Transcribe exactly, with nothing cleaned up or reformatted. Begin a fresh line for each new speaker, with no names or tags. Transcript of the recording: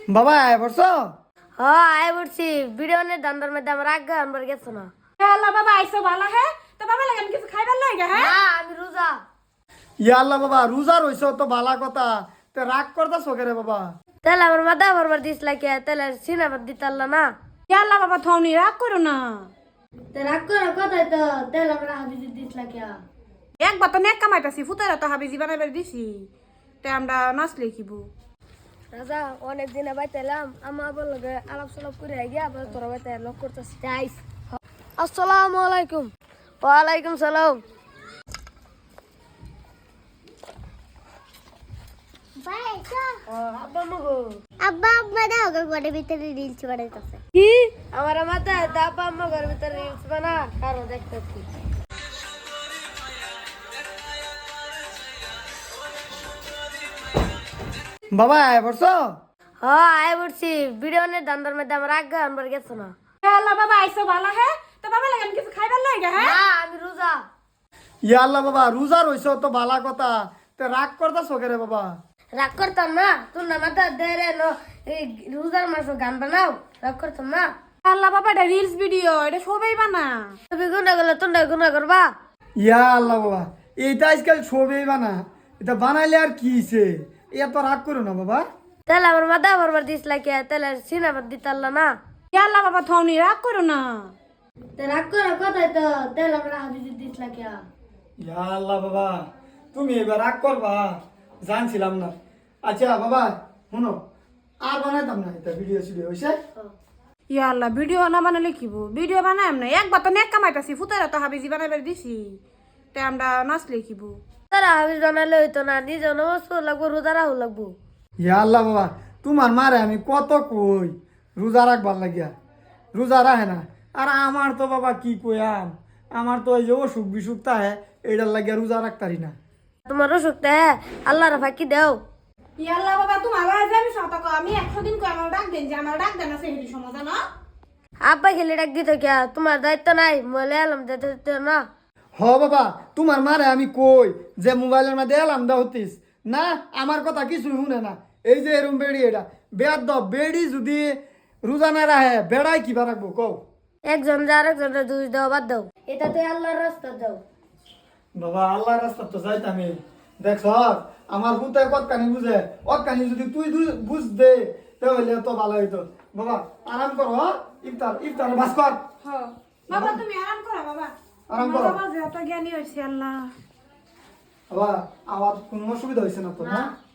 বাবা আয় পড়ছো?
হ্যাঁ আয় পড়ছি। ভিডিও নে দান্দার মধ্যে আমার আগে আনবার গেছো না।
আল্লাহ বাবা আইসো ভালো হ্যাঁ তো বাবা লাগেন কিছু খাইবার লাগে হ্যাঁ
না আমি রোজা।
ইয়া আল্লাহ বাবা রোজা রইছো তো ভালা কথা, তে রাগ করতাছো কেরে বাবা?
তাহলে আমার মাথা ভরবার দিস লাগে, তাহলে সিনেমার দিতে পারল না।
আল্লাহ বাবা থনি রাগ করো না।
তো রাগ করার কথাই তো, তাহলে আমরা হাবিজি দিস লাগে।
একবার তো নেক কামাইতাছি ফুতারা তো হাবিজি বানাইবার দিছি, তে আমরা নাচলে লিখিব।
রাজা অনেক দিনে বাইতে এলাম, আমার বললো আলাপ সালাপ করে গিয়ে আবার তোরা বাইতে লক করতেছি। যাইস। আসসালামু আলাইকুম। ওয়ালাইকুম সালাম। আব্বা মগো
আব্বা আম্মা দাও ঘরের ভিতরে রিলস বানাইতেছে।
কি আমার মাথায় আব্বা আম্মা ঘরের ভিতরে রিলস বানা কারো দেখতেছি।
বাবা আয় পড়ছো?
হ্যাঁ আয় পড়ছি। ভিডিও নে দান্দার মধ্যে আমার আগে আনবার গেছো না।
আল্লাহ বাবা আইসো ভালো হ্যাঁ তো বাবা লাগেন কিছু খাইবার লাগে হ্যাঁ
না আমি রোজা।
ইয়া আল্লাহ বাবা রোজা রইছো তো ভালা কথা, তে রাগ করতাছো কেরে বাবা?
রাগ করতাম না, তোর না মাথা দেরে নো এই রোজার মাসে গান বানাও, রাগ করতাম না।
আল্লাহ বাবা এটা রিলস ভিডিও, এটা সবাই বানা।
তুমি গুণা করলে তোমরা গুণা করবা।
ইয়া আল্লাহ বাবা এইটা আজকাল ছবি বানা, এটা বানাইলে আর কি হইছে? এত রাগ করো না বাবা।
তাহলে আমার মাথা ভরবার দিস লাগে, তাহলে সিনেমার দিতে পারল না।
আল্লাহ বাবা থনি রাগ করো না।
তো রাগ করার কথাই তো, তাহলে আমরা হাবিজি দিস লাগে।
ইয়া আল্লাহ বাবা তুমি এবার রাগ করবা জানছিলাম না। আচ্ছা বাবা শুনো, আর বানাইতাম না এটা ভিডিও সিডিও হইছে।
ইয়া আল্লাহ ভিডিও না বানালে লিখিব, ভিডিও বানাই না। একবার তো নেক কামাইতাছি ফুতারা তো হাবিজি বানাইবার দিছি, তে আমরা নাচলে লিখিব।
তারা হাবিজ বানালে হইতো না, নিজে নমাজ পড় লাগবো, রোজা রাখো লাগবো।
ইয়া আল্লাহ বাবা তোমার মারে আমি কত কই রোজা রাখবার লাগিয়া, রোজা রাখে না। আর আমার তো বাবা কি কইয়াম, আমার তো এই যে অসুখ বিসুখ তাহে এইটার লাগিয়া রোজা রাখতারি না।
তোমার অসুখটা আল্লাহর ফাঁকি দেও।
ইয়া আল্লাহ বাবা তোমার আজ আমি শতক আমি একশো দিন কই আমার ডাক দেন যে আমার ডাক দেন আছে হেরি সমাধান না।
আব্বা খেলে ডাক দিত কে, তোমার দায়িত্ব নাই, মলে আলম দিতে দিত না।
হ বাবা তোমার মারে আমি কই যে মোবাইলের মধ্যে এলাম দা হতিস না, আমার কথা কিছু শুনে না। এই যে এরম বেড়ি এটা বেয়ার দ বেড়ি যদি রোজা না রাখে বেড়াই কিবা রাখবো কও?
একজন যা আরেকজনের দুই দাও বাদ দাও, এটা তুই আল্লাহর রাস্তা দাও।
বাবা আল্লাহর রাস্তা তো যাইতামই, দেখছ আমার পুতে কতখানি বুঝে, কতখানি যদি তুই দু- বুঝ দে তাহলে তো ভালো হইতো। বাবা আরাম করো, হ্যাঁ? ইফতার ইফতার বাস কর।
হ্যাঁ বাবা তুমি আরাম করো বাবা।
আরাম
আমার
করো।
বাবা যে এত জ্ঞানী হইছে আল্লাহ।
বাবা আমার কোনো অসুবিধা হয়েছে না তো না?